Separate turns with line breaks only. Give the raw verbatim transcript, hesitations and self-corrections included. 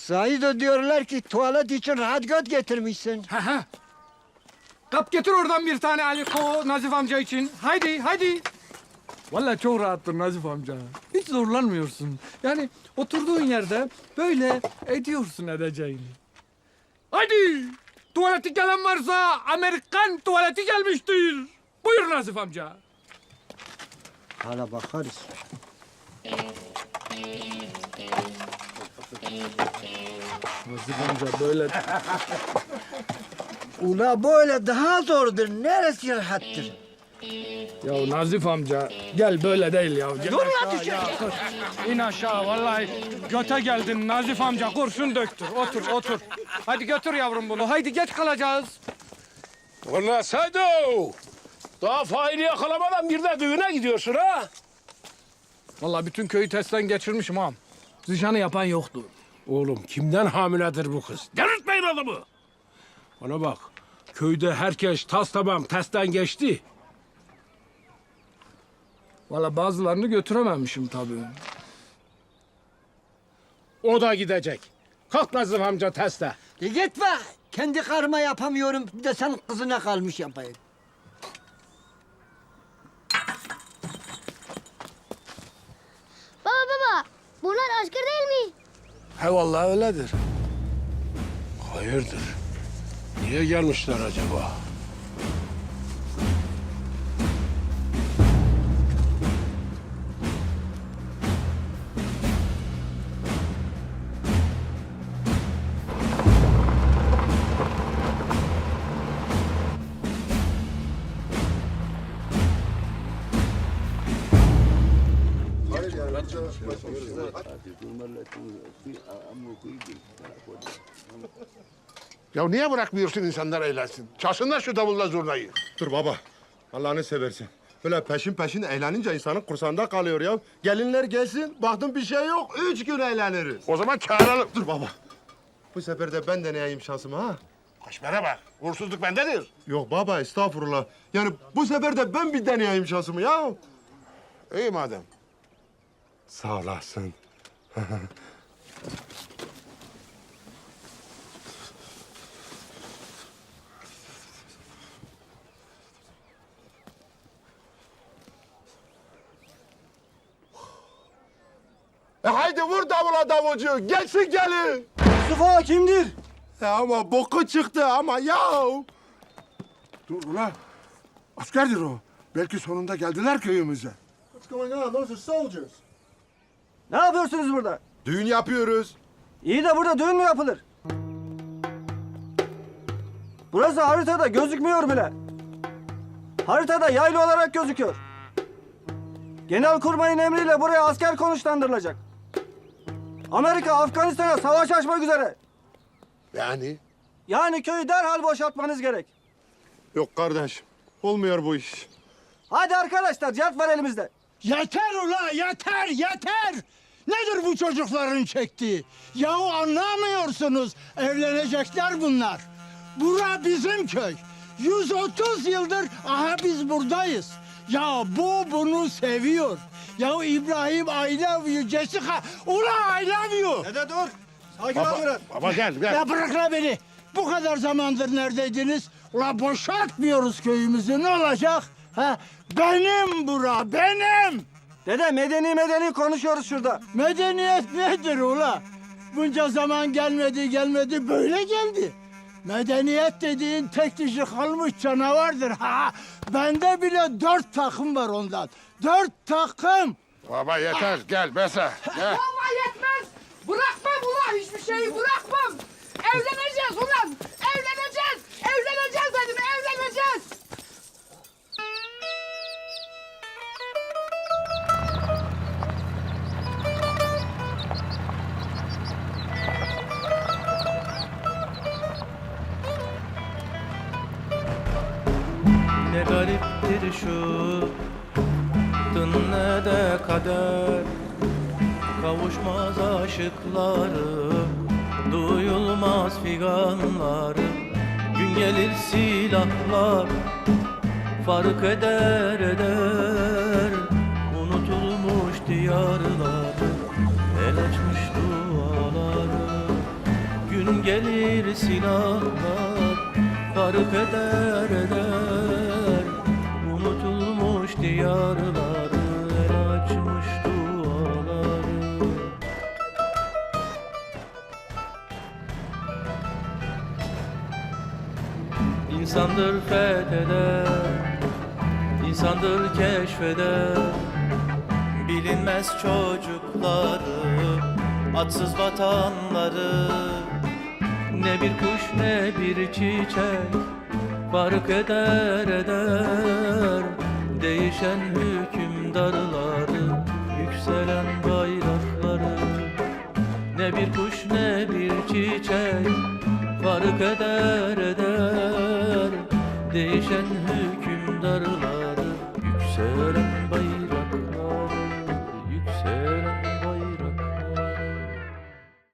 Zahid diyorlar ki tuvalet için rahat göt getirmişsin.
Ha ha. Kap getir oradan bir tane Aliko Nazif amca için. Haydi haydi. Vallahi çok rahattır Nazif amca. Hiç zorlanmıyorsun. Yani oturduğun yerde böyle ediyorsun edeceğini. Haydi. Tuvaleti gelen varsa Amerikan tuvaleti gelmiştir. Buyur Nazif amca.
Hala bakarız.
Nazif amca böyle...
Ula böyle daha zordur. Neresi rahattır?
Ya Nazif amca gel böyle değil ya. Gel
Dur
aşağı
lan, düşecek.
ya, kur. İn aşağı vallahi göte geldin Nazif amca kurşun döktür. Otur otur. Hadi götür yavrum bunu. Haydi geç kalacağız.
Ulan Sado! Daha faili yakalamadan bir de düğüne gidiyorsun ha?
Vallahi bütün köyü testten geçirmişim ağam. Zişanı yapan yoktu.
Oğlum kimden hamiledir bu kız? Delirtmeyin adamı! Bana bak, köyde herkes tas tamam testten geçti.
Vallahi bazılarını götürememişim tabii.
O da gidecek. Kalk Nazif amca teste.
E gitme. Kendi karıma yapamıyorum. Bir de sen kızına kalmış yapayım.
Baba baba, bunlar asker değil mi?
He vallahi öyledir. Hayırdır? Niye gelmişler acaba?
Ya niye bırakmıyorsun insanlar eğlensin? Çalsınlar şu davulla zurnayı.
Dur baba. Allah'ını seversen. Böyle peşin peşin eğlenince insanın kursağında kalıyor ya. Gelinler gelsin, baktım bir şey yok. Üç gün eğleniriz.
O zaman çağıralım.
Dur baba. Bu sefer de ben deneyeyim şansımı ha.
Kaşmere bak. Uğursuzluk bendedir.
Yok baba estağfurullah. Yani bu sefer de ben bir deneyeyim şansımı ya.
İyi madem.
Sağ olasın.
E haydi vur davula davulcu. Gelsin gelin.
Mustafa kimdir?
Ya ama boku çıktı ama ya.
Dur ulan. Askerdir o. Belki sonunda geldiler köyümüze.
What's going on? Those are soldiers.
Ne yapıyorsunuz burada?
Düğün yapıyoruz.
İyi de burada düğün mü yapılır? Burası haritada gözükmüyor bile. Haritada yaylı olarak gözüküyor. Genelkurmayın emriyle buraya asker konuşlandırılacak. Amerika Afganistan'a savaş açmak üzere.
Yani?
Yani köyü derhal boşaltmanız gerek.
Yok kardeş. Olmuyor bu iş.
Hadi arkadaşlar cevap var elimizde.
Yeter ula yeter yeter. Nedir bu çocukların çektiği? Yahu anlamıyorsunuz. Evlenecekler bunlar. Bura bizim köy. yüz otuz yıldır aha biz buradayız. Ya bu bunu seviyor. Ya İbrahim I love you Jessica. Ula I love you.
Dede dur. Sakin
Baba,
ol biraz.
baba gel gel.
Ya bırak la beni. Bu kadar zamandır neredeydiniz? Ula boşaltmıyoruz köyümüzü. Ne olacak? Ha? Benim bura benim.
Dede medeni medeni konuşuyoruz şurada.
Medeniyet nedir ula? Bunca zaman gelmedi gelmedi böyle geldi. Medeniyet dediğin tek dişi kalmış canavardır. Ha, bende bile dört takım var ondan. Dört takım.
Baba yeter. Gel Besa. Gel.
Vallahi yetmez. Bırakmam ulan hiçbir şeyi bırakmam. Evleneceğiz ulan. Evleneceğiz. Evleneceğiz dedim evleneceğiz.
Ne gariptir şu tın ne de kader. Kavuşmaz aşıkları, duyulmaz figanları. Gün gelir silahlar fark eder eder. Unutulmuş diyarları, el açmış duaları. gün gelir silahlar, fark eder eder unutulmuş diyarları, el açmış duaları. İnsandır fetheder, insandır keşfeder bilinmez çocukları, atsız vatanları. Ne bir kuş ne bir çiçek fark eder eder değişen hükümdarları, yükselen bayrakları. Ne bir kuş ne bir çiçek fark eder eder değişen hükümdarları.